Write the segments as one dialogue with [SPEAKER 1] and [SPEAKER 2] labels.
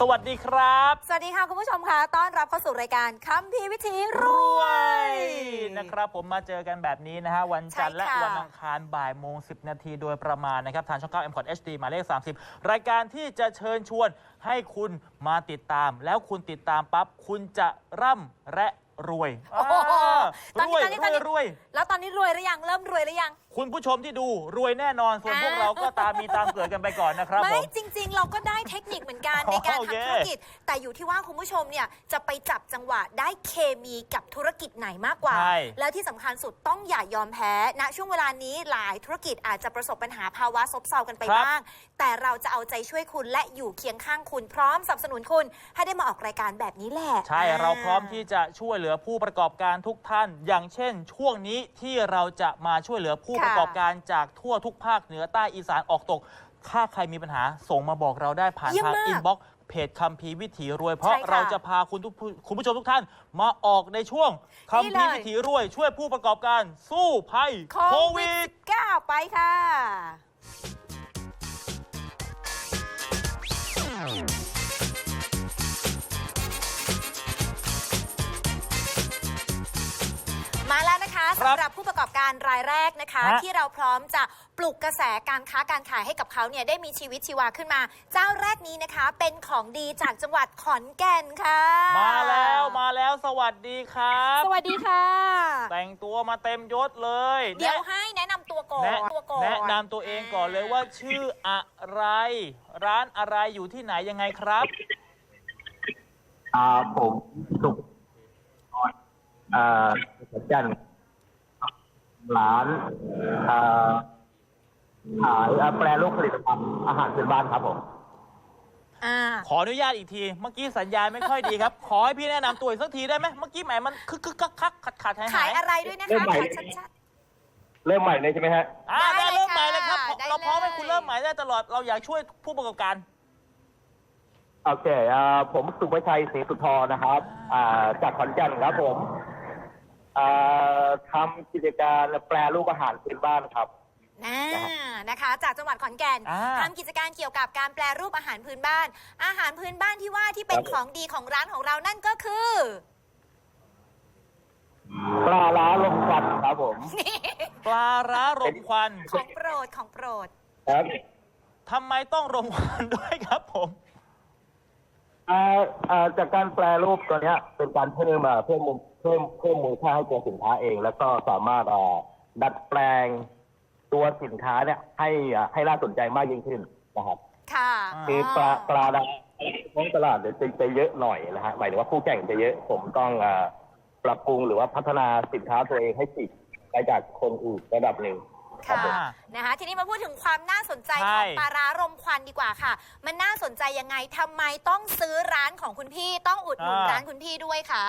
[SPEAKER 1] สวัสดีครับ
[SPEAKER 2] สวัสดีค่ะคุณผู้ชมค่ะต้อนรับเข้าสู่รายการคัมภีร์วิถีรวย
[SPEAKER 1] นะครับผมมาเจอกันแบบนี้นะฮะวันจันทร์และวันอังคารบ่ายโมง10 นาทีโดยประมาณนะครับทางช่อง 9 M Cod HD หมายเลข30รายการที่จะเชิญชวนให้คุณมาติดตามแล้วคุณติดตามปั๊บคุณจะร่ำและรวยรวยแล้วตอนนี้รวยหรือยังเริ่มรวยหรือยังคุณผู้ชมที่ดูรวยแน่นอนส่วนพวกเราก็ตามเกิดกันไปก่อนนะครับ
[SPEAKER 2] ไม่จริงๆเราก็ได้เทคนิคเหมือนกันในการทำธุรกิจแต่อยู่ที่ว่าคุณผู้ชมเนี่ยจะไปจับจังหวะได้เคมีกับธุรกิจไหนมากกว่าแล้วที่สำคัญสุดต้องอย่ายอมแพ้ณช่วงเวลานี้หลายธุรกิจอาจจะประสบปัญหาภาวะซบเซากันไปบ้างแต่เราจะเอาใจช่วยคุณและอยู่เคียงข้างคุณพร้อมสนับสนุนคุณให้ได้มาออกรายการแบบนี้แหละ
[SPEAKER 1] ใช่เราพร้อมที่จะช่วยเหลือผู้ประกอบการทุกท่านอย่างเช่นช่วงนี้ที่เราจะมาช่วยเหลือผู้ประกอบการจากทั่วทุกภาคเหนือใต้อีสานออกตกถ้าใครมีปัญหาส่งมาบอกเราได้ผ่านทางอินบ็อกซ์เพจคัมภีร์วิถีรวยเพราะเราจะพาคุณผู้ชมทุกท่านมาออกในช่วงคัมภีร์วิถีรวยช่วยผู้ประกอบการสู้ภัยโควิด
[SPEAKER 2] -19 ไปค่ะมาแล้วนะคะสำหรับผู้ประกอบการรายแรกนะคะที่เราพร้อมจะปลุกกระแสการค้าการขายให้กับเขาเนี่ยได้มีชีวิตชีวาขึ้นมาเจ้าแรกนี้นะคะเป็นของดีจากจังหวัดขอนแก่นค่ะ
[SPEAKER 1] มาแล้วสวัสดีครับ
[SPEAKER 2] สวัสดีค่ะ
[SPEAKER 1] แต่งตัวมาเต็มยศเลย
[SPEAKER 2] เดี๋ยวให้แนะนำตัวก่อน
[SPEAKER 1] แนะนำตัวเองก่อนเลยว่าชื่ออะไรร้านอะไรอยู่ที่ไหนยังไงครับ
[SPEAKER 3] ผมสุขจันร้านขายแปรรูปผลิตภัณฑ์อาหารพื้นบ้านครับผม
[SPEAKER 1] ขออนุญาตอีกทีเมื่อกี้สัญญาณไม่ค่อยดีครับขอให้พี่แนะนำตัวอีกสักทีได้ไหมเมื่อกี้แหมมันคักขาดหาย
[SPEAKER 2] ขายอะไรด้วยนะคะขอชัด
[SPEAKER 3] ๆเริ่มใหม่เลยใช่ไหมฮะ
[SPEAKER 1] ได้เริ่มใหม่เลยครับเราพร้อมให้คุณเริ่มใหม่ได้ตลอดเราอยากช่วยผู้ประกอบการ
[SPEAKER 3] โอเคผมสุภชัยศรีสุธรนะครับจากขอนแก่นครับผมทำกิจการแปรรูปอาหารพื้นบ้านครับ
[SPEAKER 2] นะคะจากจังหวัดขอนแก่นทำกิจการเกี่ยวกับการแปรรูปอาหารพื้นบ้านอาหารพื้นบ้านที่ว่าที่เป็นของดีของร้านของเรานั่นก็คือ
[SPEAKER 3] ปลาร้าลมควันครับผม
[SPEAKER 1] ปลาร้ารมควัน
[SPEAKER 2] ของโปรด
[SPEAKER 3] ครับ
[SPEAKER 1] ทำไมต้องรมควันด้วยครับผม
[SPEAKER 3] จากการแปรรูปตัวนี้เป็นการเพิ่มมูลค่าให้ตัวสินค้าเองแล้วก็สามารถดัดแปลงตัวสินค้าเนี่ยให้น่าสนใจมากยิ่งขึ้นนะครับ
[SPEAKER 2] ค่ะ
[SPEAKER 3] คือปลาในท้องตลาดจะเยอะหน่อยนะฮะหมายถึงว่าคู่แข่งจะเยอะผมต้องปรับปรุงหรือว่าพัฒนาสินค้าตัวเองให้ติดไปจากคนอื่นระดับหนึ่ง
[SPEAKER 2] ค่ะนะคะทีนี้มาพูดถึงความน่าสนใจของปลาร้ารมควันดีกว่าค่ะมันน่าสนใจยังไงทำไมต้องซื้อร้านของคุณพี่ต้องอุดหนุนร้านคุณพี่ด้วยคะ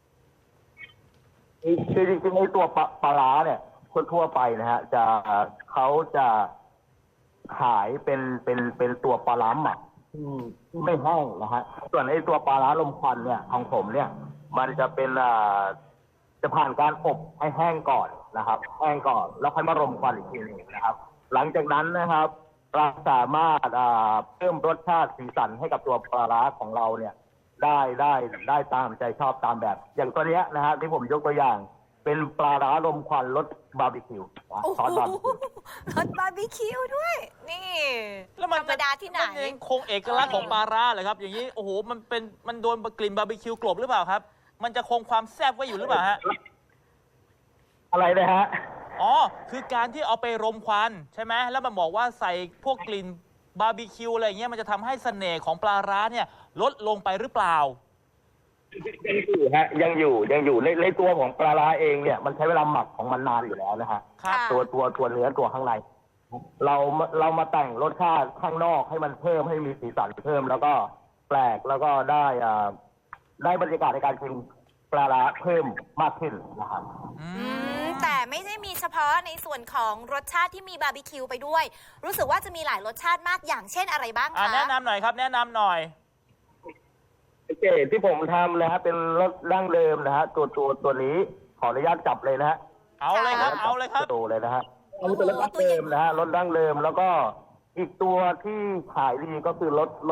[SPEAKER 3] คือจริงๆในตัวปลาร้าเนี่ยทั่วไปนะฮะเขาจะขายเป็นตัวปลาร้าหมักที่ไม่แห้งนะฮะส่วนไอ้ตัวปลาร้าลมควันเนี่ยของผมเนี่ยมันจะเป็นจะผ่านการอบให้แห้งก่อนนะครับแห้งก่อนแล้วค่อยมารมควันอีกทีนึงนะครับหลังจากนั้นนะครับเราสามารถเพิ่มรสชาติสีสันให้กับตัวปลาร้าของเราเนี่ยได้ตามใจชอบตามแบบอย่างตัวนี้นะฮะที่ผมยกตัวอย่างเป็นปลาร้าลมควันรสบาร์บีคิวซอสบาร์บีคิว
[SPEAKER 2] รสบาร์บีคิวด้วยนี่
[SPEAKER 1] แล้วมัน
[SPEAKER 2] ธรรมดาที่ไหน
[SPEAKER 1] มันคงเอกลักษณ์ของปลาร้าเลยครับอย่างนี้โอ้โหมันโดนกลิ่นบาร์บีคิวกลบหรือเปล่าครับมันจะคงความแซ่บไว้อยู่หรือเปล่าฮะ
[SPEAKER 3] อะไรนะฮะ
[SPEAKER 1] อ๋อคือการที่เอาไปรมควันใช่ไหมแล้วมันบอกว่าใส่พวกกลิ่นบาร์บีคิวอะไรเงี้ยมันจะทำให้เสน่ห์ของปลาร้าเนี่ยลดลงไปหรือเปล่า
[SPEAKER 3] ยังอยู่ฮะยังอยู่ในตัวของปลาร้าเองเนี่ยมันใช้เวลาหมักของมันนานอยู่แล้วนะฮะตัวเนื้อตัวข้างในเรามาแต่งรสชาติข้างนอกให้มันเพิ่มให้มีสีสันเพิ่มแล้วก็แปลกแล้วก็ได้บรรยากาศในการกินปลาร้าเพิ่มมากขึ้นนะครับ
[SPEAKER 2] แต่ไม่ได้มีเฉพาะในส่วนของรสชาติที่มีบาร์บีคิวไปด้วยรู้สึกว่าจะมีหลายรสชาติมากอย่างเช่นอะไรบ้างคะ
[SPEAKER 1] แนะนำหน่อยครับแนะนำหน่อย
[SPEAKER 3] เกรดที่ผมทำนะฮะเป็นรสดั้งเดิมนะฮะตัวนี้ขออนุญาตจับเลยนะฮะ
[SPEAKER 1] เอาเลยครับ
[SPEAKER 3] ตัวเลยนะฮะอันนี้เป็นรสดั้งเดิมนะฮะรสดั้งเดิมแล้วก็อีกตัวที่ขายดีก็คือรส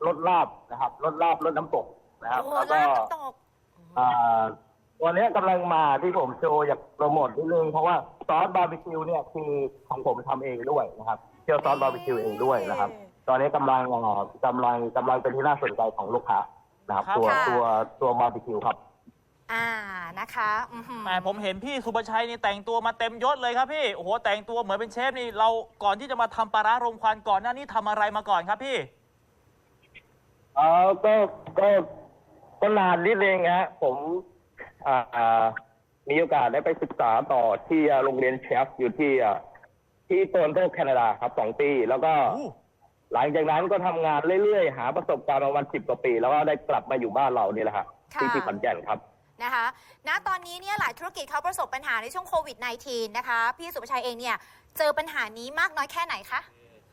[SPEAKER 3] รสลาบนะครับรสลาบรสน้ำตกนะครับ
[SPEAKER 2] โอ้
[SPEAKER 3] แล้วก็
[SPEAKER 2] ลาบน้ำตก
[SPEAKER 3] ตัวนี้กำลังมาที่ผมโชว์อยากโปรโมทนิดนึงเพราะว่าซอสบาร์บีคิวเนี่ยคือของผมทำเองด้วยนะครับเคี่ยวซอสบาร์บีคิวเองด้วยนะครับ ตอนนี้กำลังเป็นที่น่าสนใจของลูกค้านะครับ ตัวบาร์บีคิวครับ
[SPEAKER 2] นะคะ
[SPEAKER 1] แหมผมเห็นพี่สุภชัยนี่แต่งตัวมาเต็มยศเลยครับพี่โอ้โหแต่งตัวเหมือนเป็นเชฟนี่เราก่อนที่จะมาทำปลาร้ารมควันก่อนหน้านี้ทำอะไรมาก่อนครับพี่
[SPEAKER 3] ก็นานนิดนึงฮะผมมีโอกาสได้ไปศึกษาต่อที่โรงเรียนเชฟอยู่ที่โตรอนโตแคนาดาครับ2 ปีแล้วก็หลังจากนั้นก็ทำงานเรื่อยๆหาประสบการณ์ประมาณ10 กว่าปีแล้วก็ได้กลับมาอยู่บ้านเรานี่แหละครับที่ขอนแก่นครับ
[SPEAKER 2] นะคะณตอนนี้เนี่ยหลายธุรกิจเขาประสบปัญหาในช่วงโควิด -19 นะคะพี่สุภชัยเองเนี่ยเจอปัญหานี้มากน้อยแค่ไหนคะ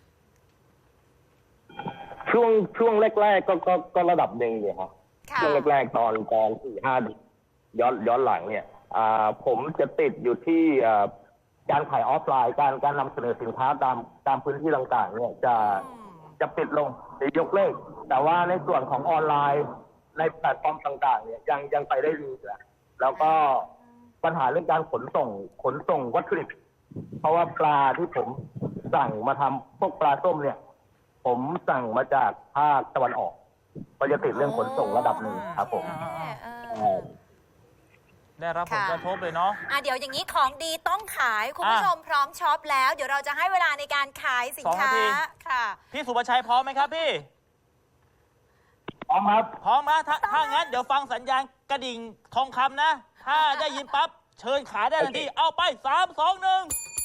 [SPEAKER 3] ช่วงแรกๆก็ระดับหนึ่งเนี่ยครับช่วงแรกๆตอน4-5ย้อนหลังเนี่ยผมจะติดอยู่ที่การขายออฟไลน์การนำเสนอสินค้าตามพื้นที่ต่างๆเนี่ยจะปิดลงจะยกเลิกแต่ว่าในส่วนของออนไลน์ในแพลตฟอร์มต่างๆเนี่ยยังไปได้ดีแล้วก็ปัญหาเรื่องการขนส่งวัตถุดิบเพราะว่าปลาที่ผมสั่งมาทำพวกปลาส้มเนี่ยผมสั่งมาจากภาคตะวันออกก็จะติดเรื่องขนส่งระดับหนึ่งครับผม
[SPEAKER 1] ได้รับผลกระทบเลยเนาะ
[SPEAKER 2] เดี๋ยวอย่างนี้ของดีต้องขายคุณผู้ชมพร้อมช็อปแล้วเดี๋ยวเราจะให้เวลาในการขายสินค้าค่ะ
[SPEAKER 1] พี่สุภชัยพร้อมไหมครับพี่
[SPEAKER 3] พร้อมครับ
[SPEAKER 1] พร้อมนะถ้างั้นเดี๋ยวฟังสัญญาณกระดิ่งทองคำนะถ้าได้ยินปั๊บเชิญขายได้ทันทีเอาไป3 2 1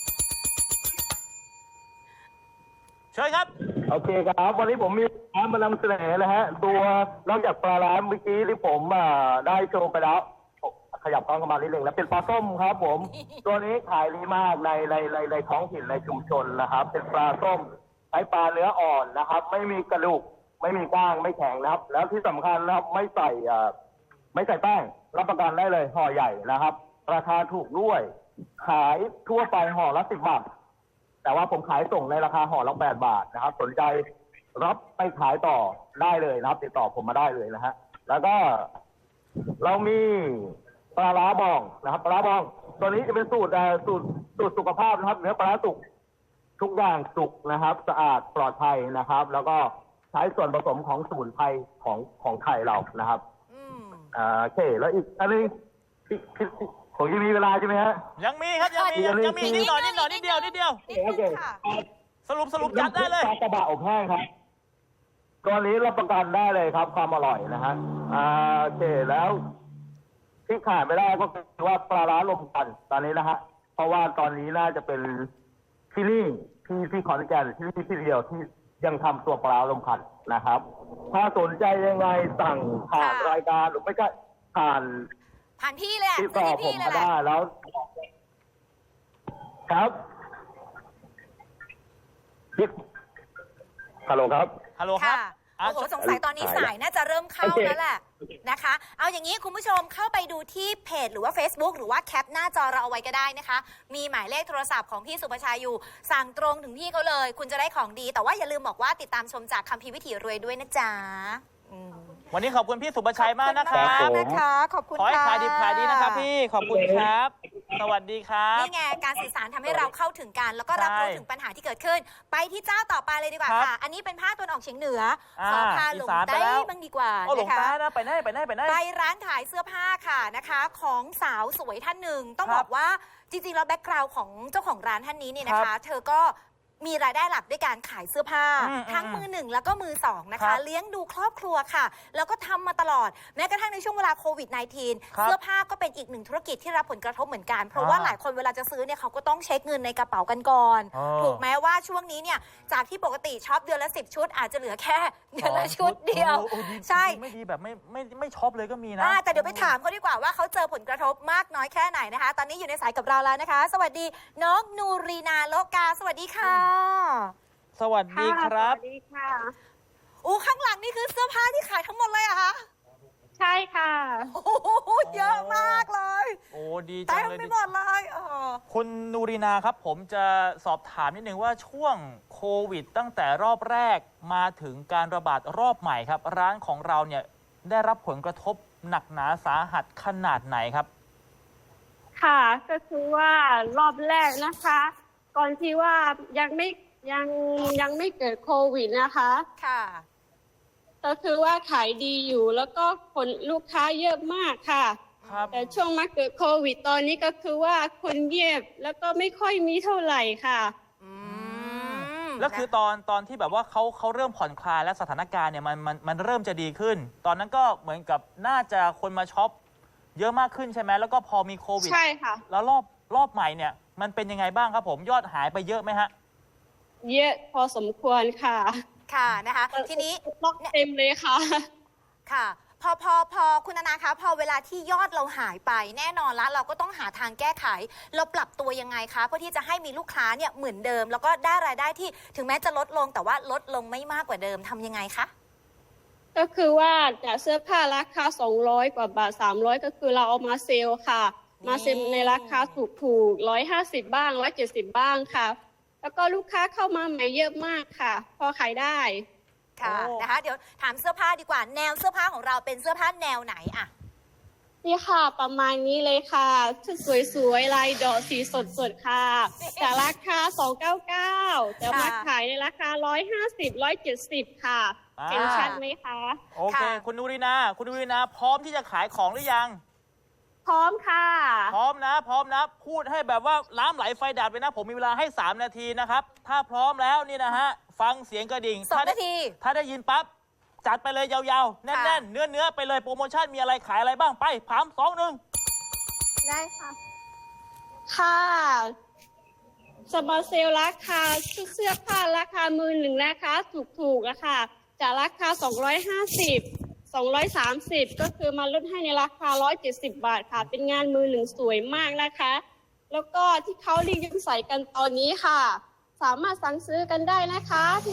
[SPEAKER 1] เชิญครับ
[SPEAKER 3] โอเคครับวันนี้ผมมีร้านมานำเสนอนะฮะตัวนอกจากปลาร้าเมื่อกี้ที่ผมได้โชว์ไปแล้วขยับกล้องเข้ามานิดนึงแล้วเป็นปลาส้มครับผมตัวนี้ขายดีมากในท้องถิ่นในชุมชนนะครับเป็นปลาส้มใช้ปลาเนื้ออ่อนนะครับไม่มีกระดูกไม่มีก้างไม่แข็งนะครับแล้วที่สำคัญนะครับไม่ใส่แป้งรับประกันได้เลยห่อใหญ่นะครับราคาถูกด้วยขายทั่วไปห่อละ10 บาทแต่ว่าผมขายส่งในราคาห่อละ8 บาทนะครับสนใจรับไปขายต่อได้เลยนะครับติดต่อผมมาได้เลยนะฮะแล้วก็เรามีปลาร้าบองนะครับปลาร้าบองตัวนี้จะเป็นสูตรสุขภาพนะครับเนื้อปลาร้าสุกทุกอย่างสุกนะครับสะอาดปลอดภัยนะครับแล้วก็ใช้ส่วนผสมของสมุนไพรของไทยเรานะครับโอเคแล้วอีกอันนึงผมยังมีเวลาใช่ไหมฮะ
[SPEAKER 1] ยังมีครับยังมีนิดหน่อยนิดเดียว
[SPEAKER 3] โอเค
[SPEAKER 1] สรุปจัดได้เลย
[SPEAKER 3] ปลากระบะอบแห้งครับตัวนี้รับประกันได้เลยครับความอร่อยนะฮะโอเคแล้วที่ขาดไม่ได้ก็คือว่าปลาร้าลมควันตอนนี้นะฮะเพราะว่าตอนนี้น่าจะเป็นที่นี่ที่ขอนแก่นที่เดียวที่ยังทำตัวปลาลมควันนะครับถ้าสนใจยังไงสั่งผ่านรายการหรือไม่ก็ผ่าน
[SPEAKER 2] พี่เลย
[SPEAKER 3] ติดต่อผมมาได้แล้วครับฮัลโหลครับ
[SPEAKER 2] โอ้โหสงสัยตอนนี้สายน่าจะเริ่มเข้าแล้วแหละนะคะเอาอย่างนี้คุณผู้ชมเข้าไปดูที่เพจหรือว่า Facebook หรือว่าแคปหน้าจอเราเอาไว้ก็ได้นะคะมีหมายเลขโทรศัพท์ของพี่สุภชัยอยู่สั่งตรงถึงพี่เขาเลยคุณจะได้ของดีแต่ว่าอย่าลืมบอกว่าติดตามชมจากคัมภีร์วิถีรวยด้วยนะจ๊ะ
[SPEAKER 1] วันนี้ขอบคุณพี่สุภชัยมากนะครับ
[SPEAKER 2] ขอบคุณ
[SPEAKER 1] ขอให้ขายดีขายดีนะครับพี่ขอบคุณครับสวัสดีครับ
[SPEAKER 2] นี่ไงการสื่อสารทำให้เราเข้าถึงกันแล้วก็รับรู้ถึงปัญหาที่เกิดขึ้นไปที่เจ้าต่อไปเลยดีกว่าค่ะอันนี้เป็นภาคตะวันออกเฉียงเหนือขอพาหลงใต้บ้างดีกว่า
[SPEAKER 1] นะคะไปไหน
[SPEAKER 2] ไปร้านขายเสื้อผ้าค่ะนะคะของสาวสวยท่านหนึ่งต้องบอกว่าจริงๆแล้วแบ็คกราวด์ของเจ้าของร้านท่านนี้เนี่ยนะคะเธอก็มีรายได้หลักด้วยการขายเสื้อผ้าทั้งมือหนึ่งแล้วก็มือสองนะคะเลี้ยงดูครอบครัวค่ะแล้วก็ทำมาตลอดแม้กระทั่งในช่วงเวลาโควิด -19 เสื้อผ้าก็เป็นอีกหนึ่งธุรกิจที่รับผลกระทบเหมือนกันเพราะว่าหลายคนเวลาจะซื้อเนี่ยเขาก็ต้องเช็คเงินในกระเป๋ากันก่อนถูกไหมว่าช่วงนี้เนี่ยจากที่ปกติช็อปเดือนละ10 ชุดอาจจะเหลือแค่เดือนละชุดเดียวใช่
[SPEAKER 1] ไม่ดีแบบไม่ช็อปเลยก็มีนะ
[SPEAKER 2] แต่เดี๋ยวไปถามเขาดีกว่าว่าเขาเจอผลกระทบมากน้อยแค่ไหนนะคะตอนนี้อยู่ในสายกับเราแล้วนะคะสวัสดีน้องนูรีนาโลกาสวัสดีค่ะ
[SPEAKER 1] สวัสดีครับ
[SPEAKER 4] สวัสดีค่ะ
[SPEAKER 2] ข้างหลังนี่คือเสื้อผ้าที่ขายทั้งหมดเลยอะคะ
[SPEAKER 4] ใช่ค่ะ
[SPEAKER 2] โอ้โหเยอะมากเลย
[SPEAKER 1] โอ้ดีจั
[SPEAKER 2] เต็
[SPEAKER 1] ง
[SPEAKER 2] ม
[SPEAKER 1] เลย
[SPEAKER 2] ไปหมดเลย
[SPEAKER 1] คุณนูรีนาครับผมจะสอบถามนิดนึงว่าช่วงโควิดตั้งแต่รอบแรกมาถึงการระบาดรอบใหม่ครับ ร้านของเราเนี่ยได้รับผลกระทบหนักหนาสาหัสขนาดไหนครับ
[SPEAKER 4] ค่ะก็คือว่ารอบแรกนะคะ ก่อนที่ว่ายังไม่เกิดโควิดนะคะ
[SPEAKER 2] ค่ะ
[SPEAKER 4] ก็คือว่าขายดีอยู่แล้วก็คนลูกค้าเยอะมากค่ะ
[SPEAKER 1] ครับ
[SPEAKER 4] แต่ช่วงมาเกิดโควิดตอนนี้ก็คือว่าคนเงียบแล้วก็ไม่ค่อยมีเท่าไหร่ค่ะ
[SPEAKER 2] อืม
[SPEAKER 1] แล้วคือตอนที่แบบว่าเขาเริ่มผ่อนคลายและสถานการณ์เนี่ยมันเริ่มจะดีขึ้น ตอนนั้นก็เหมือนกับน่าจะคนมาช็อปเยอะมากขึ้นใช่ไหมแล้วก็พอมีโควิด
[SPEAKER 4] ใช่ค่ะ
[SPEAKER 1] แล้วรอบใหม่เนี่ยมันเป็นยังไงบ้างครับผมยอดหายไปเยอะไหมฮะ
[SPEAKER 4] เยอะพอสมควรค่ะ
[SPEAKER 2] ค่ะนะคะ ทีนี้
[SPEAKER 4] ล็อกเต็มเลยค่ะ
[SPEAKER 2] ค่ะพอคุณนานาคะพอเวลาที่ยอดเราหายไปแน่นอนละเราก็ต้องหาทางแก้ไข เราปรับตัวยังไงคะเพื่อที่จะให้มีลูกค้าเนี่ยเหมือนเดิม แล้วก็ได้รายได้ที่ถึงแม้จะลดลงแต่ว่าลดลงไม่มากกว่าเดิมทำยังไงคะ
[SPEAKER 4] ก็คือว่าจากเสื้อผ้าราคา200 กว่าบาท300ก็คือเราเอามาเซลล์ค่ะ มาเซลล์ในราคาถูก150บ้าง170บ้างค่ะ แล้วก็ลูกค้าเข้ามาใหม่เยอะมากค่ะ พอขายได้
[SPEAKER 2] ค่ะ
[SPEAKER 1] โอ้
[SPEAKER 2] นะคะ เดี๋ยวถามเสื้อผ้าดีกว่าแนวเสื้อผ้าของเราเป็นเสื้อผ้าแนวไหนอะ
[SPEAKER 4] นี่ค่ะประมาณนี้เลยค่ะชุดสวยๆลายดอกสีสดๆค่ะจากราคา299แต่มาขายในราคา150 170ค่ะเห็นชัดไหมคะ
[SPEAKER 1] โอเค คุณนูรีนาพร้อมที่จะขายของหรือยัง
[SPEAKER 4] พร้อมค่ะ
[SPEAKER 1] พร้อมนะพูดให้แบบว่าน้ำไหลไฟดับเลยนะผมมีเวลาให้3นาทีนะครับถ้าพร้อมแล้วนี่นะฮะฟังเสียงกระดิ่ง
[SPEAKER 2] 2 นาที
[SPEAKER 1] ถ้าได้ยินปั๊บจัดไปเลยยาวๆแน่นๆเนื้อไปเลยโปรโมชั่นมีอะไรขายอะไรบ้างไป3 2 1
[SPEAKER 4] ได้ค่ะ ค่ะสมาเซลราคาเสื้อผ้าราคามือหนึ่งนะคะถูกๆอะค่ะจากราคา250 230ก็คือมาลดให้ในราคา170บาทค่ะ เป็นงานมือหนึ่งสวยมากนะคะ แล้วก็ที่เขารีวิวใส่กันตอนนี้ค่ะ สามารถสั่งซื้อกันได้นะคะที่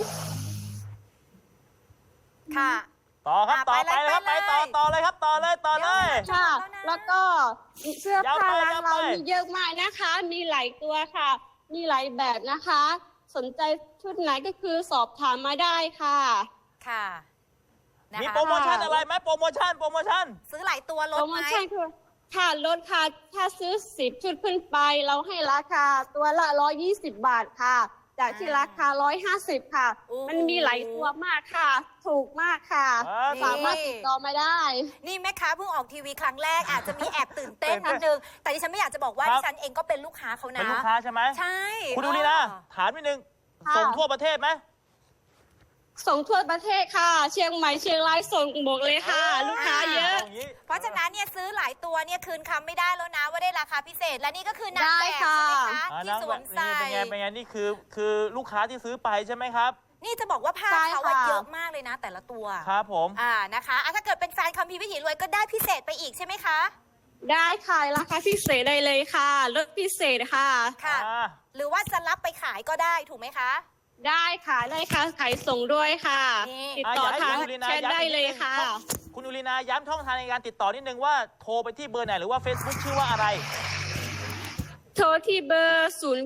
[SPEAKER 2] ค่ะ
[SPEAKER 1] ต่อครับต่อไปเลยครับไปต่อเลยครับต่อเลย
[SPEAKER 4] ค่ะ แล้วก็เสื้อผ้าร้าน
[SPEAKER 1] ยาวไป
[SPEAKER 4] เรามีเยอะมากนะคะ มีหลายตัวค่ะ มีหลายแบบนะคะ สนใจชุดไหนก็คือสอบถามมาได้ค่ะ
[SPEAKER 2] ค่ะนะคะ
[SPEAKER 1] มีโปรโมชั่นอะไรไหมโปรโมชั่น
[SPEAKER 2] ซื้อหลายตัวล
[SPEAKER 4] โป
[SPEAKER 2] ด
[SPEAKER 4] รโม
[SPEAKER 2] ไหม
[SPEAKER 4] ชั่นคือค่ะลดค่ะ ถ้าซื้อ10ชุดขึ้นไป เราให้ราคาตัวละ120บาทค่ะ จากที่ราคา150ค่ะ มันมีหลายตัวมากค่ะ ถูกมากค่ะ สามารถติดต่อมาได้
[SPEAKER 2] นี่แม่ค้าเพิ่งออกทีวีครั้งแรกอาจจะมีแอบตื่นเต้นนิดนึง แต่ดิฉันไม่อยากจะบอกว่า
[SPEAKER 1] ครับ
[SPEAKER 2] ดิฉันเองก็เป็นลูกค้าเขานะ
[SPEAKER 1] เป็นลูกค้าใช่ไหม
[SPEAKER 2] ใช่
[SPEAKER 1] คุณดูนี่นะถามนิดนึง
[SPEAKER 4] ค่ะ
[SPEAKER 1] ส่งทั่วประเทศไหม
[SPEAKER 4] ส่งทั่วประเทศค่ะ เชียงใหม่เชียงรายส่งหมดเลยค่ะ ลูกค้าเยอะ
[SPEAKER 1] างี้
[SPEAKER 2] เพราะฉะนั้นเนี่ยซื้อหลายตัวเนี่ยคืนคำไม่ได้แล้วนะว่าได้ราคาพิเศษ และนี่ก็คือนาง
[SPEAKER 4] ได้
[SPEAKER 2] แบบ
[SPEAKER 4] ค่ะ
[SPEAKER 2] ใช่ไหมคะ
[SPEAKER 1] อ่า
[SPEAKER 2] ที่
[SPEAKER 1] นั่ง
[SPEAKER 2] สวมใส่
[SPEAKER 1] เป็นไงนี่คือลูกค้าที่ซื้อไปใช่ไหมครับ
[SPEAKER 2] นี่จะบอกว่าผ้า
[SPEAKER 4] ใช่
[SPEAKER 2] เขา
[SPEAKER 4] ค่ะ
[SPEAKER 2] เยอะมากเลยนะ แต่ละตัว
[SPEAKER 1] ครับผม
[SPEAKER 2] นะคะถ้าเกิดเป็นแฟนคัมภีร์วิถีรวยก็ได้พิเศษไปอีกใช่ไหมคะ
[SPEAKER 4] ได้ค่ะราคาพิเศษได้เลยค่ะลดพิเศษค่ะ
[SPEAKER 2] ค่ะ
[SPEAKER 1] อ่า
[SPEAKER 2] หรือว่าจะรับไปขายก็ได้ถูกไหมคะ
[SPEAKER 4] ได้ค่ะได้ค่ะขายส่งด้วยค่ะ
[SPEAKER 2] นี่
[SPEAKER 4] ติดต่อทาง
[SPEAKER 1] คุณลีนา
[SPEAKER 4] แชทได้เลยค่ะ
[SPEAKER 1] คุณอุลีนาย้ำช่องทางในการติดต่อนิดนึงว่าโทรไปที่เบอร์ไหนหรือว่า Facebook ชื่อว่าอะไร
[SPEAKER 4] โทรที่เบอร์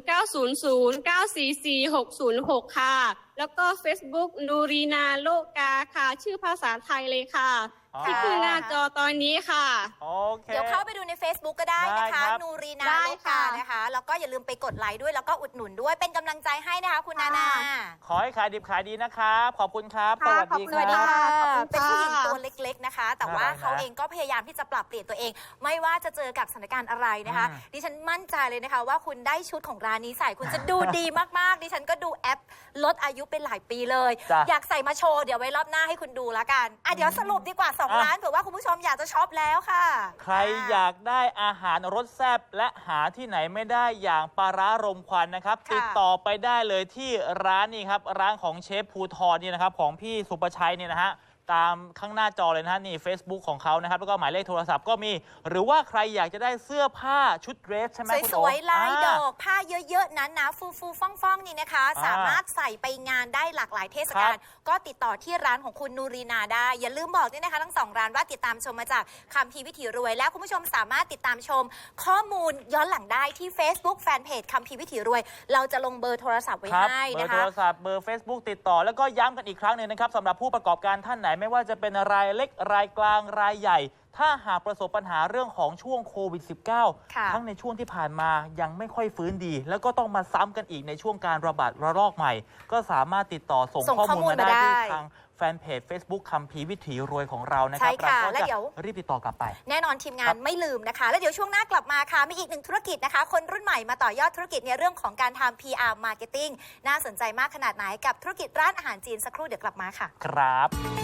[SPEAKER 4] 0900944606 ค่ะ แล้วก็ Facebook นูรีนาโลกาค่ะ ชื่อภาษาไทยเลยค่ะ
[SPEAKER 1] อ๋อ
[SPEAKER 4] ที่ขึ้นหน้าจอตอนนี้ค่ะ
[SPEAKER 1] โอเค
[SPEAKER 2] เดี๋ยวเข้าไปดูใน Facebook ก็ได้นะ
[SPEAKER 1] ได้ครั
[SPEAKER 2] คะ
[SPEAKER 1] บ
[SPEAKER 2] นูรีนา
[SPEAKER 4] ได้
[SPEAKER 2] โลกา
[SPEAKER 4] ค่ะ
[SPEAKER 2] นะคะ แล้วก็อย่าลืมไปกดไลค์ด้วยแล้วก็อุดหนุนด้วยเป็นกำลังใจให้นะคะคุณนานา
[SPEAKER 1] ขอให้ขายดิบขายดีนะครับ ขอบคุณครับ ส
[SPEAKER 4] ค่ะ
[SPEAKER 1] วัสดี
[SPEAKER 4] ขอบ
[SPEAKER 1] ค
[SPEAKER 4] คุ
[SPEAKER 1] รั
[SPEAKER 4] ณ
[SPEAKER 1] บ
[SPEAKER 4] ค่ะ
[SPEAKER 2] เป็นผู้หญิงตัวเล็กๆนะคะ แต่ว่า
[SPEAKER 1] น่ารักนะ
[SPEAKER 2] เขาเองก็พยายามที่จะปรับเปลี่ยนตัวเอง ไม่ว่าจะเจอกับสถานการณ์อะไรนะคะ ดิฉันมั่นใจเลยนะคะ ว่าคุณได้ชุดของร้านนี้ใส่คุณจะดูดีมากๆ ดิฉันก็ดูแอปลดอายุเป็นหลายปีเลย
[SPEAKER 1] จ้ะ
[SPEAKER 2] อยากใส่มาโชว์เดี๋ยวไว้รอบหน้าให้คุณดูแล้วกันเดี๋ยวสรุปดีกว่า2ล้านเผื่อว่าคุณผู้ชมอยากจะช็อปแล้วค่ะ
[SPEAKER 1] ใครอยากได้อาหารรสแซ่บและหาที่ไหนไม่ได้อย่างปลาร้ารมควันนะครับ
[SPEAKER 2] ค่ะ
[SPEAKER 1] ติดต่อไปได้เลยที่ร้านนี้ครับ ร้านของเชฟภูทรนี่นะครับ ของพี่สุประชัยเนี่ยนะฮะตามข้างหน้าจอเลยนะฮะนี่ Facebook ของเขานะครับแล้วก็หมายเลขโทรศัพท์ก็มี หรือว่าใครอยากจะได้เสื้อผ้าชุดเดรสใช่ไหมคุณ
[SPEAKER 2] ส
[SPEAKER 1] โอ๊
[SPEAKER 2] วยๆลายด
[SPEAKER 1] อ่
[SPEAKER 2] อกผ้าเยอะๆนั้นนะฟูๆฟ่องๆนี่นะคะ สามารถใส่ไปงานได้หลากหลายเทศกาลก็ติดต่อที่ร้านของคุณนูรีนาได้อย่าลืมบอกด้วยนะคะทั้ง2ร้านว่าติดตามชมมาจากคัมภีร์วิถีรวยและคุณผู้ชมสามารถติดตามชมข้อมูลย้อนหลังได้ที่ Facebook แฟนเพจคัมภีร์วิถีรวยเราจะลงเบอร์โทรศัพท์ไว้
[SPEAKER 1] ครับ
[SPEAKER 2] ให้
[SPEAKER 1] เบอ
[SPEAKER 2] นะ
[SPEAKER 1] ร์โท
[SPEAKER 2] คะ
[SPEAKER 1] รศัพท์เบอร์ Facebook ติดต่อแล้วก็ย้ำกันอีกครั้งหนึ่งนะครับสำหรับผู้ประกอบการท่านไหนไม่ว่าจะเป็นรายเล็กรายกลางรายใหญ่ ถ้าหากประสบปัญหาเรื่องของช่วงโควิด
[SPEAKER 2] ค่ะ
[SPEAKER 1] -19 ทั้งในช่วงที่ผ่านมายังไม่ค่อยฟื้นดี แล้วก็ต้องมาซ้ำกันอีกในช่วงการระบาดระลอกใหม่ ก็สามารถติดต่อส่งข้อมูลมาได้ที่ทางแฟนเพจ Facebook คัมภีร์วิถีรวยของเรานะครั
[SPEAKER 2] ใช่ค่ะ
[SPEAKER 1] เรา
[SPEAKER 2] และ
[SPEAKER 1] ก็
[SPEAKER 2] เดี๋ยว
[SPEAKER 1] จะรีบติดต่อกลับไป
[SPEAKER 2] แน่นอนทีมงานไม่ลืมนะคะ แล้วเดี๋ยวช่วงหน้ากลับมาค่ะ มีอีกหนึ่งธุรกิจนะคะ คนรุ่นใหม่มาต่อยอดธุรกิจในเรื่องของการทำ PR Marketing น่าสนใจมากขนาดไหนกับธุรกิจร้านอาหารจีนสักครู่เดี๋ยวกลับมาค่ะ
[SPEAKER 1] ครับ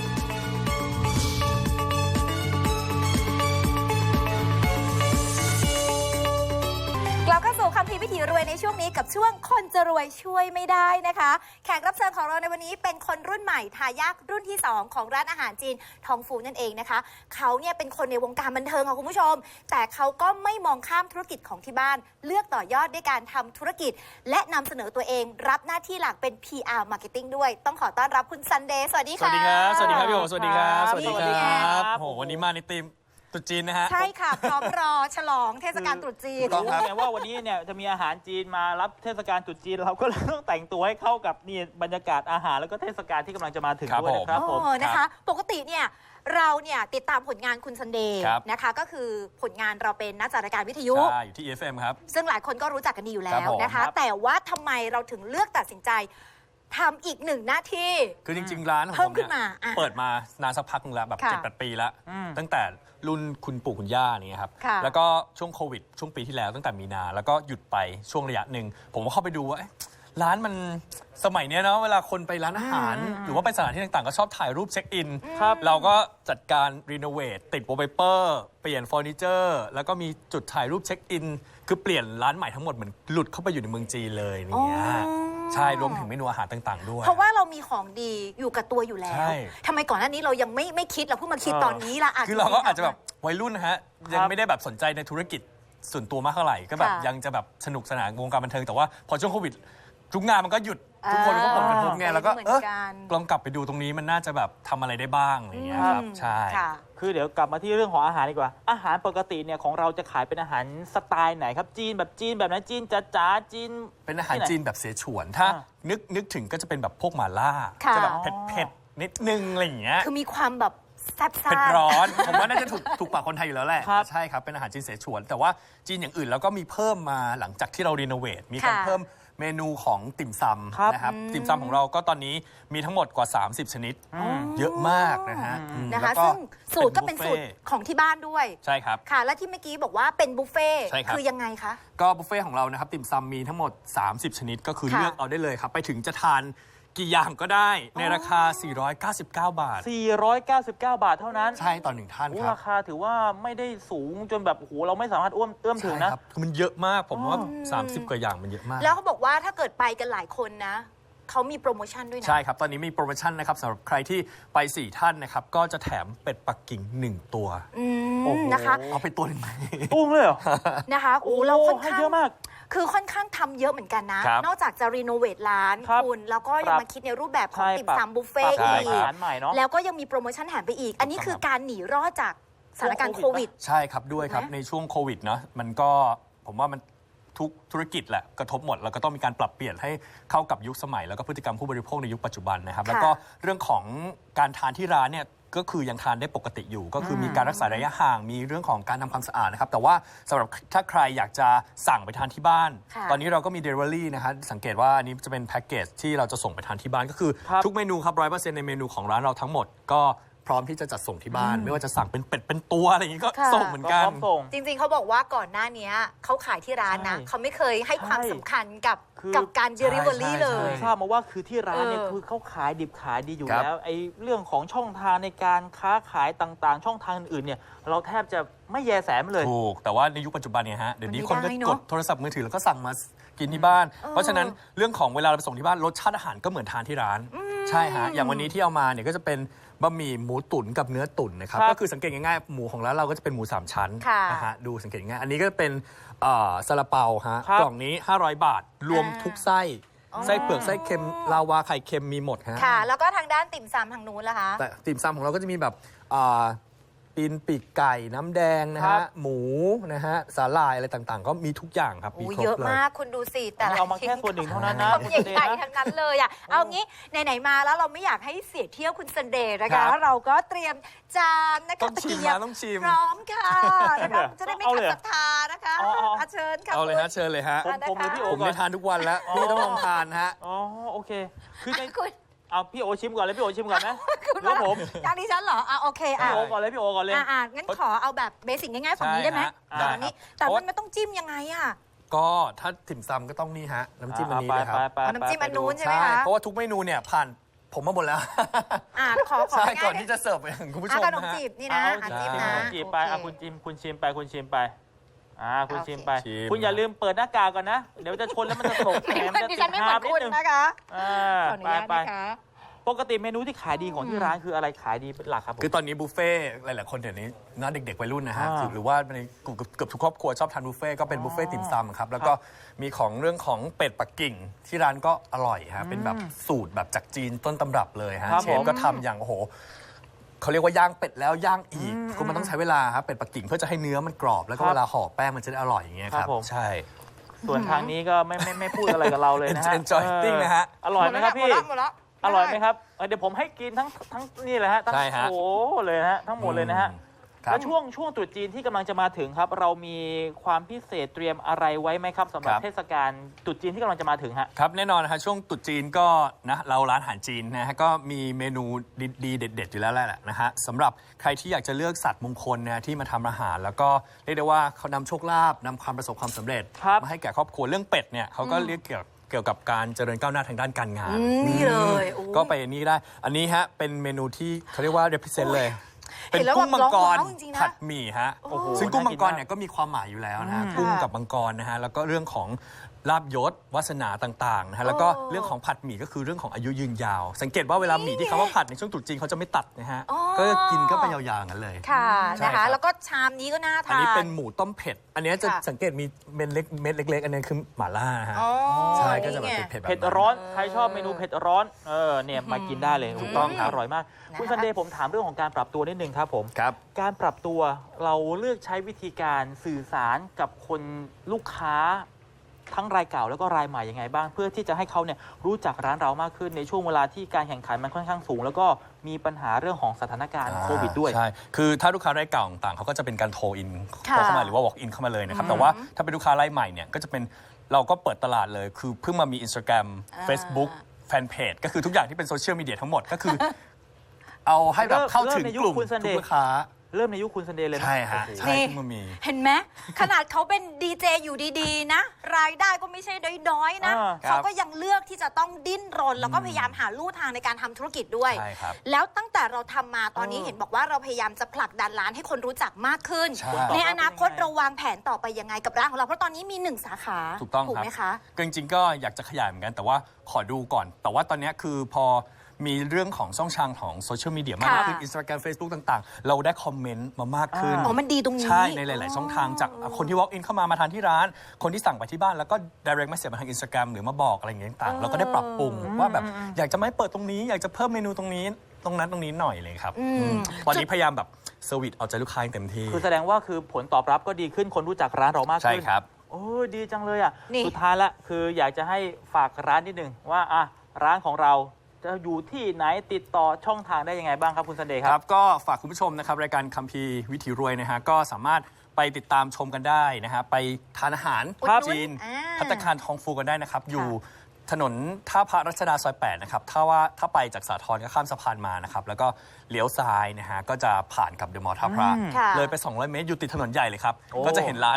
[SPEAKER 2] กลับเข้าสู่คัมภีร์วิถีรวยในช่วงนี้กับช่วงคนจะรวยช่วยไม่ได้นะคะ แขกรับเชิญของเราในวันนี้เป็นคนรุ่นใหม่ทายาทรุ่นที่ 2 ของร้านอาหารจีนทองฟูนั่นเองนะคะเขาเนี่ยเป็นคนในวงการบันเทิงค่ะคุณผู้ชม แต่เขาก็ไม่มองข้ามธุรกิจของที่บ้าน เลือกต่อยอดด้วยการทำธุรกิจ และนำเสนอตัวเองรับหน้าที่หลักเป็น PR Marketing ด้วยต้องขอต้อนรับคุณซันเดย์สวัสดี
[SPEAKER 5] สวั
[SPEAKER 2] ค่ะ
[SPEAKER 5] สดีครับ สวัสดีครับพี่โอสวัสดีครับ
[SPEAKER 1] ครับ
[SPEAKER 5] สวัสดี
[SPEAKER 1] สวัสดี
[SPEAKER 5] ค
[SPEAKER 1] ครั
[SPEAKER 5] รับ บโหวันนี้มาในธีมตรุษจีนนะฮะ
[SPEAKER 2] ใช่ค่ะพร้อมรอฉลองเทศกาลตรุษจีน
[SPEAKER 5] ถูกต้องครับ
[SPEAKER 1] แม้ว่าวันนี้เนี่ยจะมีอาหารจีนมารับเทศกาลตรุษจีนเราก็เลยต้องแต่งตัวให้เข้ากับนี่บรรยากาศอาหารแล้วก็เทศกาลที่กำลังจะมาถึง
[SPEAKER 5] ครับ
[SPEAKER 1] ด้วยนะครับผม
[SPEAKER 2] นะคะ ปกติเนี่ยเราเนี่ยติดตามผลงานคุณซันเดย์
[SPEAKER 5] ครับ
[SPEAKER 2] นะคะก็คือผลงานเราเป็นนักจัดรายการวิทยุ
[SPEAKER 5] ใช่อยู่ที่ EFM ครับ
[SPEAKER 2] ซึ่งหลายคนก็รู้จักกันดีอยู่แล้
[SPEAKER 5] ครับ
[SPEAKER 2] ว
[SPEAKER 5] ผม
[SPEAKER 2] นะคะ
[SPEAKER 1] ครับ
[SPEAKER 2] แต่ว่าทำไมเราถึงเลือกตัดสินใจทำอีกหนึ่งหน้าที่
[SPEAKER 5] คือจริง ๆ ร้านของ
[SPEAKER 2] เพิ่
[SPEAKER 5] ผม ม
[SPEAKER 2] ขึ้
[SPEAKER 5] เนี่ย
[SPEAKER 2] นมาอ่ะ
[SPEAKER 5] เปิดมานานสักพักนึงแล้วแบบ
[SPEAKER 2] ค่ะ
[SPEAKER 5] 7-8 ปีแล้ว
[SPEAKER 1] อืม
[SPEAKER 5] ตั้งแต่รุ่นคุณปู่คุณย่านี่ครับ
[SPEAKER 2] ค่ะ
[SPEAKER 5] แล้วก็ช่วงโควิด ช่วงปีที่แล้วตั้งแต่มีนา แล้วก็หยุดไปช่วงระยะหนึ่ง ผมก็เข้าไปดูว่าเอ๊ะร้านมันสมัยเนี้ยเนาะเวลาคนไปร้านอาหาร หรือว่าไปสถานที่ต่างๆ ก็ชอบถ่ายรูปเช็คอิน
[SPEAKER 1] ครับ
[SPEAKER 5] เราก็จัดการรีโนเวทติดโวลเปเปอร์เปลี่ยนเฟอร์นิเจอร์แล้วก็มีจุดถ่ายรูปเช็คอิน คือเปลี่ยนร้านใหม่ทั้งหมดเหมือนหลุดเข้าไปอยู่ในเมืองจีนเลยอย่างเงี้ย
[SPEAKER 2] อ๋อ
[SPEAKER 5] ใช่รวมถึงเมนูอาหารต่างๆด้วย
[SPEAKER 2] เพราะว่าเรามีของดีอยู่กับตัวอยู่แล้
[SPEAKER 5] ใช่
[SPEAKER 2] วทำไมก่อนหน้านี้เรายังไม่คิดเราเพิ่งมาคิดตอนนี้ล่ะ
[SPEAKER 5] คือเราก็อาจจะแบบวัยรุ่นนะฮะ ยัง
[SPEAKER 1] ครับ
[SPEAKER 5] ไม่ได้แบบสนใจในธุรกิจส่วนตัวมากเท่าไหร่ก็แบบ
[SPEAKER 2] ค่ะ
[SPEAKER 5] ยังจะแบบสนุกสนานวงการบันเทิงแต่ว่าพอช่วงโควิดทุกงานมันก็หยุดทุกคนก็ผลกระทบไงแล้วก็
[SPEAKER 2] เหมือน
[SPEAKER 5] เออ
[SPEAKER 2] กัน
[SPEAKER 5] ลองกลับไปดูตรงนี้มันน่าจะแบบทำอะไรได้บ้างอะไรอย่างเงี้ยครับ
[SPEAKER 2] อืม
[SPEAKER 5] ใช่
[SPEAKER 2] ค่ะ
[SPEAKER 1] คือเดี๋ยวกลับมาที่เรื่องของอาหารดีกว่า อาหารปกติเนี่ยของเราจะขายเป็นอาหารสไตล์ไหนครับจีนแบบไหนจีนจ๋าๆจีน
[SPEAKER 5] เป็นอาหาร
[SPEAKER 1] ที่ไหน
[SPEAKER 5] จีนแบบเสฉวน ถ้า
[SPEAKER 1] อ่า
[SPEAKER 5] นึกถึงก็จะเป็นแบบพวกหม่าล่า
[SPEAKER 2] ค่ะ
[SPEAKER 5] จะแบบเผ็ดๆนิดนึงอะไรอย่างเงี้ย
[SPEAKER 2] คือมีความแบบแซ่บซ่า
[SPEAKER 5] เผ็ดร้อน ผมว่าน่าจะถูกปากคนไทยอยู่แล้วแหละ
[SPEAKER 1] ครับ
[SPEAKER 5] ใช่ครับ เป็นอาหารจีนเสฉวน แต่ว่าจีนอย่างอื่นเราก็มีเพิ่มมาหลังจากที่เรารีโนเวทมีการ
[SPEAKER 2] ค่ะ
[SPEAKER 5] เพิ่มเมนูของติ่มซ
[SPEAKER 1] ครับ
[SPEAKER 5] ำนะครับติ่มซำของเราก็ตอนนี้มีทั้งหมดกว่า 30 ชนิด เยอะมากนะฮะอืม
[SPEAKER 2] นะคะ
[SPEAKER 5] แล้วก็
[SPEAKER 2] ซึ่งสูตรก็เป็นสูตร
[SPEAKER 5] บุฟฟ่
[SPEAKER 2] ของที่บ้านด้วย
[SPEAKER 5] ใช่ครับ
[SPEAKER 2] ค่ะ และที่เมื่อกี้บอกว่าเป็นบุฟเฟ่ต์
[SPEAKER 5] ใช่ครับ
[SPEAKER 2] คือยังไงคะ
[SPEAKER 5] ก็บุฟเฟ่ของเรานะครับติ่มซำมีทั้งหมด 30 ชนิด ก็คือ
[SPEAKER 2] ค่ะ
[SPEAKER 5] เลือกเอาได้เลยครับ ไปถึงจะทานกี่อย่างก็ได้ในราคา 499 บาท
[SPEAKER 1] 499 บาทเท่านั้น
[SPEAKER 5] ใช่ต่อหนึ่งท่าน
[SPEAKER 1] โอ้
[SPEAKER 5] ครับ
[SPEAKER 1] ราคาถือว่าไม่ได้สูงจนแบบโอ้โหเราไม่สามารถเอื้อมถึง
[SPEAKER 5] ใช่
[SPEAKER 1] นะครับ
[SPEAKER 5] คือมันเยอะมากผมว่า 30 กว่าอย่างมันเยอะมาก
[SPEAKER 2] แล้วเขาบอกว่าถ้าเกิดไปกันหลายคนนะเขามีโปรโมชั่นด้วยนะ
[SPEAKER 5] ใช่ครับ ตอนนี้มีโปรโมชั่นนะครับสำหรับใครที่ไป 4 ท่านนะครับ ก็จะแถมเป็ดปักกิ่ง 1 ตัว
[SPEAKER 2] อืม
[SPEAKER 1] โอ้โห
[SPEAKER 2] นะคะ
[SPEAKER 5] เอาไปตัวหนึงไหม
[SPEAKER 1] ตุ้งเลยเหรอ
[SPEAKER 2] นะคะโอ้เราค่อน
[SPEAKER 1] ให้
[SPEAKER 2] ข้าง
[SPEAKER 1] เยอะมาก
[SPEAKER 2] คือค่อนข้างทำเยอะเหมือนกันนะ
[SPEAKER 5] ครับ
[SPEAKER 2] นอกจากจะรีโนเวทร้าน
[SPEAKER 1] ครับ
[SPEAKER 2] คุณแล้วก็ยั
[SPEAKER 1] ครั
[SPEAKER 2] ง
[SPEAKER 1] บ
[SPEAKER 2] มาคิดในรูปแบบของ
[SPEAKER 1] ใช่
[SPEAKER 2] ติ่ม
[SPEAKER 1] ปรับ
[SPEAKER 2] ซำบุฟเฟ่ต์
[SPEAKER 5] ใช่
[SPEAKER 2] อี
[SPEAKER 5] ค
[SPEAKER 2] ก
[SPEAKER 5] รับ
[SPEAKER 1] อาหารใหม่เนาะ
[SPEAKER 2] แล้วก็ยังมีโปรโมชั่นแถมไปอีก อันนี้คือการหนีรอดจากสถานการณ์โควิด
[SPEAKER 5] ใช่ครับด้วยครับ
[SPEAKER 2] ถูกไหม
[SPEAKER 5] ในช่วงโควิดเนาะมันก็ผมว่ามันทุกธุรกิจแหละกระทบหมด แล้วก็ต้องมีการปรับเปลี่ยนให้เข้ากับยุคสมัย แล้วก็พฤติกรรมผู้บริโภคในยุคปัจจุบันนะครับ แล้วก็เรื่องของการทานที่ร้านเนี่ยก็คือยังทานได้ปกติอยู่ ก็คือมีการรักษาระยะห่างมีเรื่องของการทำความสะอาดนะครับแต่ว่าสำหรับถ้าใครอยากจะสั่งไปทานที่บ้าน
[SPEAKER 2] ค่ะ
[SPEAKER 5] ตอนนี้เราก็มี Delivery นะฮะสังเกตว่าอันนี้จะเป็นแพ็กเกจที่เราจะส่งไปทานที่บ้านก็คือ
[SPEAKER 1] ครับ
[SPEAKER 5] ทุกเมนูครับ 100% ในเมนูของร้านเราทั้งหมด ก็พร้อมที่จะจัดส่งที่บ้าน ไม่ว่าจะสั่งเป็นเป็ดเป็นตัวอะไรอย่างนี้ก็
[SPEAKER 2] ค่ะ
[SPEAKER 5] ส่งเหมือน
[SPEAKER 1] ก็
[SPEAKER 5] กั
[SPEAKER 1] พ
[SPEAKER 5] น
[SPEAKER 1] ร้อมส่ง
[SPEAKER 2] จริงๆเขาบอกว่าก่อนหน้านี้เขาขายที่ร้านนะ
[SPEAKER 1] ใช่
[SPEAKER 2] เขาไม่เคยให้ความ
[SPEAKER 1] ใช่
[SPEAKER 2] สำคัญกับ
[SPEAKER 1] คือ
[SPEAKER 2] การ Delivery
[SPEAKER 5] ใช่
[SPEAKER 2] เลย
[SPEAKER 1] ทราบมาว่าคือที่ร้านเนี่ย
[SPEAKER 2] เออ
[SPEAKER 1] คือเขาขายดิบขายดีอยู่
[SPEAKER 5] ครับ
[SPEAKER 1] แล้วไอ้เรื่องของช่องทางในการค้าขายต่างๆ ช่องทางอื่นๆเนี่ยเราแทบจะไม่แยแสมันเลย
[SPEAKER 5] ถูกแต่ว่าในยุคปัจจุบันเนี่ยฮะเดี๋ยวนี้
[SPEAKER 2] มัน
[SPEAKER 5] คน
[SPEAKER 2] ไม่
[SPEAKER 5] ก็
[SPEAKER 2] ได้เนอะ
[SPEAKER 5] กดโทรศัพท์มือถือแล้วก็สั่งมากินที่บ้าน เพราะฉะนั้นเรื่องของเวลาเราไปส่งที่บ้านรสชาติอาหารก็เหมือนทานที่ร้าน ใช่ฮะอย่างวันนี้ที่เอามาเนี่ยก็จะเป็นบะหมี่หมูตุ๋นกับเนื้อตุ๋นนะครับ
[SPEAKER 1] ครับ
[SPEAKER 5] ก็คือสังเกตง่ายๆหมูของร้านเราก็จะเป็นหมู3ชั้น
[SPEAKER 2] ค่ะ
[SPEAKER 5] นะฮะดูสังเกตง่ายอันนี้ก็เป็นซาลาเปาฮะ
[SPEAKER 1] ครับ
[SPEAKER 5] กล่องนี้500 บาท รวมทุกไส้ไส้เปลือกไส้เค็มลาวาไข่เค็มมีหมดฮะ
[SPEAKER 2] ค่ะ แล้วก็ทางด้านติ่มซำทางนู้นล่ะคะ
[SPEAKER 5] แต่ติ่มซำของเราก็จะมีแบบตีนปีกไก่น้ำแดงนะ
[SPEAKER 1] ครั
[SPEAKER 5] ฮะ
[SPEAKER 1] บ
[SPEAKER 5] หมูนะฮะสาหร่ายอะไรต่างๆ ก็มีทุกอย่างครับมี
[SPEAKER 2] โอ้
[SPEAKER 5] คร
[SPEAKER 2] เย
[SPEAKER 5] บ
[SPEAKER 2] อะ
[SPEAKER 5] เลย
[SPEAKER 2] มากคุณดูสิแต่ละ
[SPEAKER 1] เอามาแค่ส่วนหนึ่งเท่านั้นนะ
[SPEAKER 2] คำ
[SPEAKER 1] คุณซันเดย์
[SPEAKER 2] ใหญ่
[SPEAKER 1] นะ
[SPEAKER 2] ๆทั้งนั้นเลยอ่ะเอางี้ไหนๆมาแล้วเราไม่อยากให้เสียเที่ยวคุณซันเดย์นะ
[SPEAKER 1] ครั
[SPEAKER 2] คะ
[SPEAKER 1] บ
[SPEAKER 2] เราก็เตรียมจานนะคะ
[SPEAKER 5] ต้องชิม
[SPEAKER 2] ตะเกียบ
[SPEAKER 5] นะต้องชิม
[SPEAKER 2] พร้อมค่ะนะคะจะได้ไม่
[SPEAKER 1] เอา
[SPEAKER 2] ขั
[SPEAKER 1] เล
[SPEAKER 2] ด
[SPEAKER 1] ย
[SPEAKER 2] ศรัทธานะคะ
[SPEAKER 1] อ๋อ
[SPEAKER 2] เชิญค่ะ
[SPEAKER 5] เอาเลยฮะเชิญเลยฮะ
[SPEAKER 1] ผมหรือพี่โอ
[SPEAKER 5] ผม
[SPEAKER 1] ก่อ
[SPEAKER 5] ได้
[SPEAKER 1] น
[SPEAKER 5] ทานทุกวันแล้วพี่ต้องลองทานฮะ
[SPEAKER 1] อ๋อโอเค คือใน
[SPEAKER 2] คุณ
[SPEAKER 1] เอาพี่โอชิมก่อนเลยพี่โอชิมก่อนไหม
[SPEAKER 2] คุณ
[SPEAKER 1] หรือว่าผม
[SPEAKER 2] จานดิฉันเหรอโอเค
[SPEAKER 1] พี่
[SPEAKER 2] อ่ะ
[SPEAKER 1] โอก่อนเลยพี่โอก่อนเลย
[SPEAKER 2] งั้นขอเอาแบบเบสิกง่ายๆฝั่งนี้ได้ไหม
[SPEAKER 5] ใช่ฮะ
[SPEAKER 2] ฝั่งนี้
[SPEAKER 5] ได้ครับ
[SPEAKER 2] แต่
[SPEAKER 5] เพราะ
[SPEAKER 2] มันไม่ต้องจิ้มยังไงอ่ะ
[SPEAKER 5] ก็ถ้าติ่มซำก็ต้องนี่ฮะน้ำจิ้มอันนี้เลยครับ
[SPEAKER 1] ไป
[SPEAKER 2] เอาน้ำจิ้มอันนู้น ใช่ไหม
[SPEAKER 5] ใช่
[SPEAKER 2] คะ
[SPEAKER 5] เพราะว่าทุกเมนูเนี่ยผ่านผมมาหมดแล้ว
[SPEAKER 2] ขอ
[SPEAKER 5] ใช่
[SPEAKER 2] ง่ายๆ
[SPEAKER 5] ก่อนที่จะเสิร์ฟไปถึงคุณผู้ชม
[SPEAKER 2] ขนม
[SPEAKER 5] นะฮะ
[SPEAKER 2] จีบนี่
[SPEAKER 1] เอา
[SPEAKER 2] นะ
[SPEAKER 1] จิ้
[SPEAKER 2] จิ้
[SPEAKER 1] ม
[SPEAKER 2] ม
[SPEAKER 1] ข
[SPEAKER 2] นะ
[SPEAKER 1] นมจีบไป
[SPEAKER 2] โอเค
[SPEAKER 1] คุณชิมไปคุณชิมไปคุณชิมไป
[SPEAKER 5] ชิม
[SPEAKER 1] คุณอย่าลืมเปิดหน้ากากก่อนนะ เดี๋ยวจะชนแล้วมันจะตกแหมมันจะ
[SPEAKER 2] ดิ
[SPEAKER 1] ติ
[SPEAKER 2] ฉั
[SPEAKER 1] ด
[SPEAKER 2] นไม่เหมื
[SPEAKER 1] หา
[SPEAKER 2] อบ น
[SPEAKER 1] นิ
[SPEAKER 2] คุ
[SPEAKER 1] ด
[SPEAKER 2] ณ
[SPEAKER 1] นึง
[SPEAKER 2] นะคะ ขออนุ
[SPEAKER 1] ไป
[SPEAKER 2] ญาต
[SPEAKER 1] ไป
[SPEAKER 2] นะคะ
[SPEAKER 1] ปกติเมนูที่ขายดีของที่ร้านคืออะไรขายดีเป็นหลักครับผม
[SPEAKER 5] คือตอนนี้บุฟเฟ่ต์หลาย ๆ คนเดี๋ยวนี้นะเด็ก ๆ วัยรุ่นนะฮะ
[SPEAKER 1] อ่า
[SPEAKER 5] หรือว่าในกลุ่มเกือบทุกครอบครัวชอบทานบุฟเฟ่ต์ก็เป็นบุฟเฟ่ต์ติ่มซำครับ แล้วก็มีของเรื่องของเป็ดปักกิ่ง ที่ร้านก็อร่อยฮะเป็นแบบสูตรแบบจากจีนต้นตำรับเลยฮะ
[SPEAKER 1] ครับ
[SPEAKER 5] เช
[SPEAKER 1] ผ
[SPEAKER 5] ฟ
[SPEAKER 1] ม
[SPEAKER 5] ก็ทำอย่างโอ้โหเขาเรียกว่าย่างเป็ดแล้วย่างอีกคือมันต้องใช้เวลาครับเป็ดปักกิ่งเพื่อจะให้เนื้อมันกรอบ แล้วก็
[SPEAKER 1] ครับ
[SPEAKER 5] เวลาห่อแป้งมันจะได้อร่อยอย่างเงี้ยค
[SPEAKER 1] ครั
[SPEAKER 5] รั
[SPEAKER 1] บบ ผม
[SPEAKER 5] ใช่
[SPEAKER 1] ส่วนทางนี้ก็ไม่พูดอะไรกับเราเลยนะฮะ
[SPEAKER 5] Enjoy eating นะฮะ
[SPEAKER 1] อร่อยไหมครับพี่
[SPEAKER 2] หมดแล้ว
[SPEAKER 1] อร่อยไหมครับเดี๋ยวผมให้กินทั้งนี่เลยฮะทั้ง
[SPEAKER 5] ใช่ฮะ
[SPEAKER 1] โอ้โหเลยนะฮะทั้งหมดเลยนะฮะ
[SPEAKER 5] ครับ
[SPEAKER 1] แล้วช่วงตรุษจีนที่กำลังจะมาถึงครับ เรามีความพิเศษเตรียมอะไรไว้ไหมครับสำหรับเทศกาลตรุษจีนที่กำลังจะมาถึงฮะ
[SPEAKER 5] ครับแน่นอนนะครับช่วงตรุษจีนก็นะเราร้านอาหารจีนนะฮะก็มีเมนูดีๆเด็ดๆอยู่แล้วแหละนะฮะสำหรับใครที่อยากจะเลือกสัตว์มงคลนะที่มาทำอาหาร แล้วก็เรียกได้ว่าเขานำโชคลาภนำความประสบความสำเร็จ
[SPEAKER 1] ครับ
[SPEAKER 5] มาให้แก่ครอบครัวเรื่องเป็ดเนี่ยเขาก็เรียกเกี่ยวกับการเจริญก้าวหน้าทางด้านการงาน
[SPEAKER 2] นี่เลยโอ้
[SPEAKER 5] ก็ไปอันนี้ได้ อันนี้ฮะเป็นเมนูที่เขาเรียกว่า represent เลย
[SPEAKER 2] เห็
[SPEAKER 5] เป็น
[SPEAKER 2] นแล้ว
[SPEAKER 5] กุ้งมังกร
[SPEAKER 2] แบบร้องว้าวจริงๆนะ
[SPEAKER 5] ผัดหมี่ฮะ
[SPEAKER 1] โอ้โห
[SPEAKER 5] ซึ่งกุ้งมังกร
[SPEAKER 1] น่ากินมาก
[SPEAKER 5] เนี่ยก็มีความหมายอยู่แล้วนะฮะ
[SPEAKER 2] อืม
[SPEAKER 5] กุ้ง
[SPEAKER 2] ค่ะ
[SPEAKER 5] กับมังกรนะฮะแล้วก็เรื่องของลาบยศวาสนาต่างๆนะฮะแล้วก็
[SPEAKER 2] โอ้
[SPEAKER 5] เรื่องของผัดหมี่ก็คือเรื่องของอายุยืนยาว สังเกตว่าเวลาหมี่ที่เขาว่าผัดในช่วงตรุษจีนเขาจะไม่ตัดนะฮะ
[SPEAKER 2] อ๋อ
[SPEAKER 5] ก็กินก็ไปยาวๆอย่างนั้นเลย
[SPEAKER 2] ค่ะ
[SPEAKER 5] ใช่
[SPEAKER 2] นะ
[SPEAKER 5] ครั
[SPEAKER 2] คะ
[SPEAKER 5] บ
[SPEAKER 2] แล้วก็ชามนี้ก็น่า
[SPEAKER 5] อัน
[SPEAKER 2] ทาน
[SPEAKER 5] นี้เป็นหมูต้มเผ็ด อันนี้จะ
[SPEAKER 2] ค่ะ
[SPEAKER 5] สังเกตมีเม็ดเล็กๆอันนี้คือหม่าล่านะฮะ
[SPEAKER 2] อ๋อ
[SPEAKER 5] ใช่ก็จะแบบ
[SPEAKER 2] นี่ไง
[SPEAKER 5] เผ็ดๆแบบ
[SPEAKER 1] เผ็ด
[SPEAKER 5] นั้น
[SPEAKER 1] ร้อนใครชอบเมนูเผ็ดร้อนเนี่ยมากินได้เลยถูกต้อง
[SPEAKER 5] ครับ
[SPEAKER 1] อร่อยมาก
[SPEAKER 2] นะคะ
[SPEAKER 1] คุณซันเดย์ผมถามเรื่องของการปรับตัวนิดนึงครับผม
[SPEAKER 5] ครับ
[SPEAKER 1] การปรับตัวเราเลือกใช้วิธีการสื่อสารกับคนลูกค้า ทั้งรายเก่าแล้วก็รายใหม่ยังไงบ้าง เพื่อที่จะให้เขาเนี่ยรู้จักร้านเรามากขึ้นในช่วงเวลาที่การแข่งขันมันค่อนข้างสูง แล้วก็มีปัญหาเรื่องของสถานการณ์โควิดด้วย
[SPEAKER 5] ใช่ คือถ้าลูกค้ารายเก่าต่างๆเขาก็จะเป็นการโทรอิน
[SPEAKER 2] ค่ะ
[SPEAKER 5] โทรเข้ามาหรือว่า walk in เข้ามาเลยนะครับ แต่ว่าถ้าเป็นลูกค้ารายใหม่เนี่ยก็จะเป็นเราก็เปิดตลาดเลย คือเพิ่งมามี Instagram Facebook แฟนเพจก็คือทุกอย่างที่เป็นโซเชียลมีเดียทั้งหมดก็คือ เอาให้แบบเข้าถึงกลุ่ม
[SPEAKER 1] เริ่มในยุคคุณซันเด
[SPEAKER 5] ทุ
[SPEAKER 1] ย์
[SPEAKER 5] กลูกค้า
[SPEAKER 1] เริ่มในยุคคุณซันเดย์เลยนะ
[SPEAKER 5] ใช่ฮะ
[SPEAKER 1] โอ้โห
[SPEAKER 5] ใช่
[SPEAKER 2] นี่
[SPEAKER 5] เพิ่งมามี
[SPEAKER 2] เห็นไหมขนาดเขาเป็นดีเจอยู่ดีๆนะ รายได้ก็ไม่ใช่น้อยๆนะ
[SPEAKER 1] ครับ
[SPEAKER 2] เขาก็ยังเลือกที่จะต้องดิ้นรน แล้วก็พยายามหาลู่ทางในการทำธุรกิจด้วย
[SPEAKER 5] ใช่ครับ
[SPEAKER 2] แล้วตั้งแต่เราทำมาตอนนี้เห็นบอกว่าเราพยายามจะผลักดันร้านให้คนรู้จักมากขึ้น
[SPEAKER 5] ใช่
[SPEAKER 2] ในอนาคตเราวางแผนต่อไปยังไงกับร้านของเราเพราะตอนนี้มี1 สาขา
[SPEAKER 5] ถูกต้องครับ
[SPEAKER 2] ไหมคะ
[SPEAKER 5] ก็จริงๆก็อยากจะขยายเหมือนกันแต่ว่าขอดูก่อน แต่ว่าตอนนี้คือพอมีเรื่องของช่องทางของโซเชียลมีเดียมากขึ้น
[SPEAKER 2] ค่ะ
[SPEAKER 5] Instagram Facebook ต่างๆ เราได้คอมเมนต์มามากขึ้น
[SPEAKER 2] อ๋อมันดีตรงนี้
[SPEAKER 5] ใช่ในหลาย ๆ ช่องทางจากคนที่ walk in เข้ามาทานที่ร้าน คนที่สั่งไปที่บ้านแล้วก็ direct message มาทาง Instagram หรือมาบอกอะไรอย่างเงี้ยต่างๆเราก็ได้ปรับปรุงว่าแบบอยากจะไม่เปิดตรงนี้ อยากจะเพิ่มเมนูตรงนี้ตรงนั้นตรงนี้หน่อยเลยครับตอนนี้พยายามแบบเซอร์วิสเอาใจลูกค้าอย่างเต็มที่
[SPEAKER 1] คือแสดงว่าคือผลตอบรับก็ดีขึ้นคนรู้จักร้านเรามาก
[SPEAKER 5] ใช่
[SPEAKER 1] ขึ้น
[SPEAKER 5] ครับ
[SPEAKER 1] โอ้ยดีจังเลยอ่ะ
[SPEAKER 2] นี่
[SPEAKER 1] สุดท้ายละคืออยากจะให้ฝากร้านนิดนึงว่าร้านของเราจะอยู่ที่ไหนติดต่อช่องทางได้ยังไงบ้างครับคุณซันเดย์ค
[SPEAKER 5] ค
[SPEAKER 1] รั
[SPEAKER 5] รับ บก็ฝากคุณผู้ชมนะครับรายการคัมภีร์วิถีรวยนะฮะก็สามารถไปติดตามชมกันได้นะฮะไปทานอาหาร
[SPEAKER 2] ครับ
[SPEAKER 5] จีน
[SPEAKER 2] อ่า
[SPEAKER 5] ภัตตาคารทองฟูกันได้นะครับ อยู่ถนนท่าพระรัชดาซอย 8 นะครับถ้าไปจากสาทรก็ข้ามสะพานมานะครับ แล้วก็เลี้ยวซ้ายนะฮะก็จะผ่านกับเดอะมอลล์ท่าพระ
[SPEAKER 2] ค่ะ
[SPEAKER 5] เลยไป 200 เมตรอยู่ติดถนนใหญ่เลยครับ
[SPEAKER 1] โอ้
[SPEAKER 5] ก็จะเห็นร้าน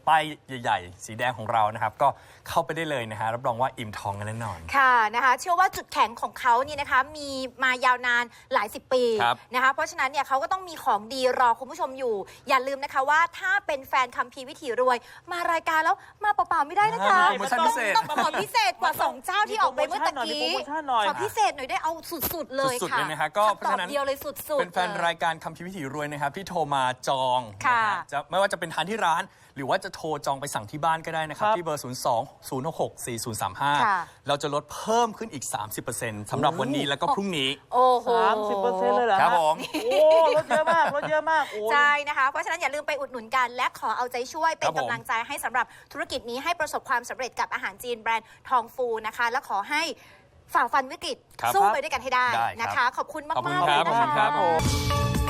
[SPEAKER 5] ป้ายใหญ่ๆสีแดงของเรานะครับก็เข้าไปได้เลยนะฮะรับรองว่าอิ่มท้องกันแน่นอน
[SPEAKER 2] ค่ะนะคะเชื่อว่าจุดแข็งของเขานี่นะคะมีมายาวนานหลาย10 ปีนะคะเพราะฉะนั้นเนี่ยเขาก็ต้องมีของดีรอคุณผู้ชมอยู่ อย่าลืมนะคะว่าถ้าเป็นแฟนคัมภีร์วิถีรวยมารายการแล้วมาเปล่าๆไม่ได้นะคะต้องขอพิเศษกว่า2เจ้าที่ออกไปเมื่อตะกี้ขอพิเศษหน่อยได้เอาสุดๆเลยค่ะ
[SPEAKER 5] เลยนะฮะก็เพราะฉะนั้น
[SPEAKER 2] เดียวเลยสุดๆ
[SPEAKER 5] เป็นแฟนรายการคัมภีร์วิถีรวยนะครับที่โทรมาจองนะฮะจะไม่ว่าจะเป็นทานที่ร้านหรือว่าจะโทรจองไปสั่งที่บ้านก็ได้นะครับที่เบอร์ 02-066-4035 เราจะลดเพิ่มขึ้นอีก 30% สำหรับวันนี้แล้วก็พรุ่งนี้
[SPEAKER 2] โอ้โห
[SPEAKER 1] 30% เลยเหรอ
[SPEAKER 5] ครับผม
[SPEAKER 1] โอ้ลดเยอะมากลดเยอะมาก
[SPEAKER 2] ใช่นะคะเพราะฉะนั้นอย่าลืมไปอุดหนุนกันและขอเอาใจช่วยเป็นกำลังใจให้สำหรับธุรกิจนี้ให้ประสบความสำเร็จกับอาหารจีนแบรนด์ทองฟูนะคะและขอให้ฝ่าฟันวิกฤตสู้ไปด้วยกันให้ได้นะคะขอบคุณมากๆเลยนะคะ